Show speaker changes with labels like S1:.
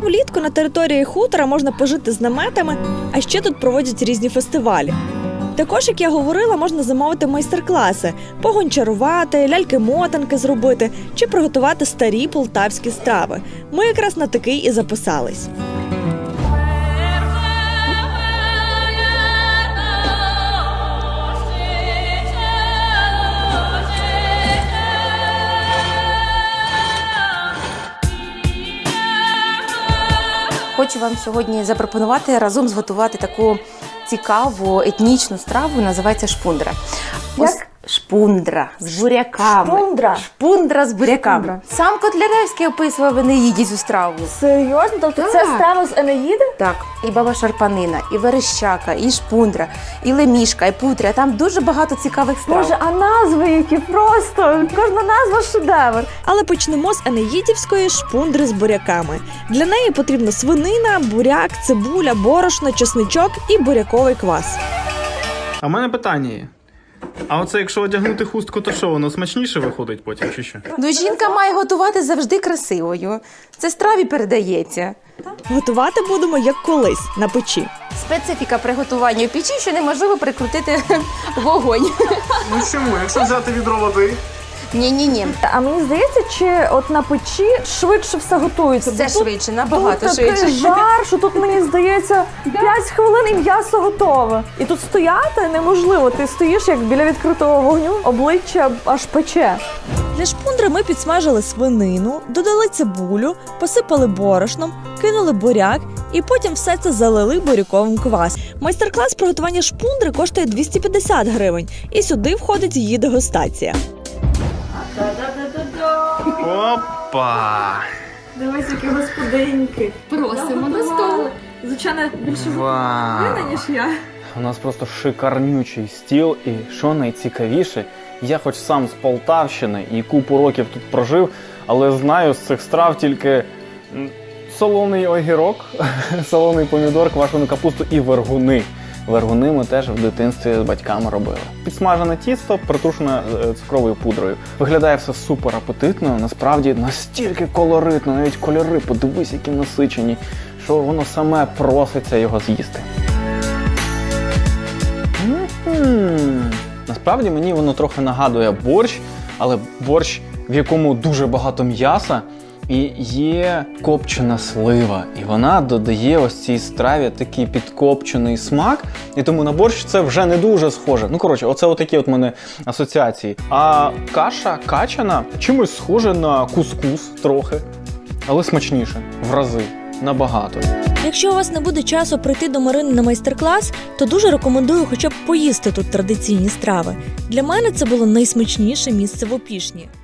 S1: влітку на території хутора можна пожити з наметами, а ще тут проводять різні фестивалі. Також, як я говорила, можна замовити майстер-класи, погончарувати, ляльки-мотанки зробити чи приготувати старі полтавські страви. Ми якраз на такий і записались.
S2: Хочу вам сьогодні запропонувати разом зготувати таку цікаву етнічну страву, називається шпундра.
S3: Як?
S2: Шпундра з буряками.
S3: Шпундра?
S2: Шпундра з буряками.
S3: Шпундра.
S2: Сам Котляревський описував в Енеїді цю страву.
S3: Серйозно? Тобто це
S2: Так.
S3: страва з Енеїди?
S2: Так, і баба Шарпанина, і верещака, і шпундра, і лемішка, і путря. Там дуже багато цікавих страв.
S3: Боже, а назви які просто! Кожна назва шедевр.
S1: Але почнемо з енеїдівської шпундри з буряками. Для неї потрібна свинина, буряк, цибуля, борошно, чесничок і буряковий квас.
S4: А в мене питання є. А оце якщо одягнути хустку, то що, воно смачніше виходить потім, чи що?
S2: Ну, жінка має готувати завжди красивою. Це страві передається.
S1: Готувати будемо як колись, на печі.
S2: Специфіка приготування в печі, що неможливо прикрутити вогонь.
S4: Ну чому? Якщо взяти відро води?
S2: Ні.
S3: А мені здається, чи от на печі швидше все готується?
S2: Все
S3: Бо тут-
S2: швидше, набагато
S3: тут такий
S2: швидше.
S3: жар, що тут, мені здається, 5 хвилин і м'ясо готове. І тут стояти неможливо. Ти стоїш як біля відкритого вогню, обличчя аж пече.
S1: Для шпундри ми підсмажили свинину, додали цибулю, посипали борошном, кинули буряк і потім все це залили буряковим квас. Майстер-клас приготування шпундри коштує 250 гривень, і сюди входить її дегустація.
S4: Опа!
S3: Дивись, які господиньки.
S2: Просимо до столу.
S3: Звичайно, більше
S4: Вау!
S3: ніж я.
S5: У нас просто шикарнючий стіл, і що найцікавіше, я хоч сам з Полтавщини і купу років тут прожив, але знаю з цих страв тільки солоний огірок, солоний помідор, квашену капусту і вергуни. Вергуни ми теж в дитинстві з батьками робили. Підсмажене тісто, притрушене цукровою пудрою. Виглядає все супер апетитно, насправді настільки колоритно, навіть кольори, подивись, які насичені, що воно саме проситься його з'їсти. Насправді мені воно трохи нагадує борщ, але борщ, в якому дуже багато м'яса і є копчена слива. І вона додає ось цій страві такий підкопчений смак, і тому на борщ це вже не дуже схоже. Ну, коротше, оце отакі от мене асоціації. А каша качана чимось схоже на кускус трохи, але смачніше, в рази, набагато.
S1: Якщо у вас не буде часу прийти до Марини на майстер-клас, то дуже рекомендую хоча б поїсти тут традиційні страви. Для мене це було найсмачніше місце в Опішні.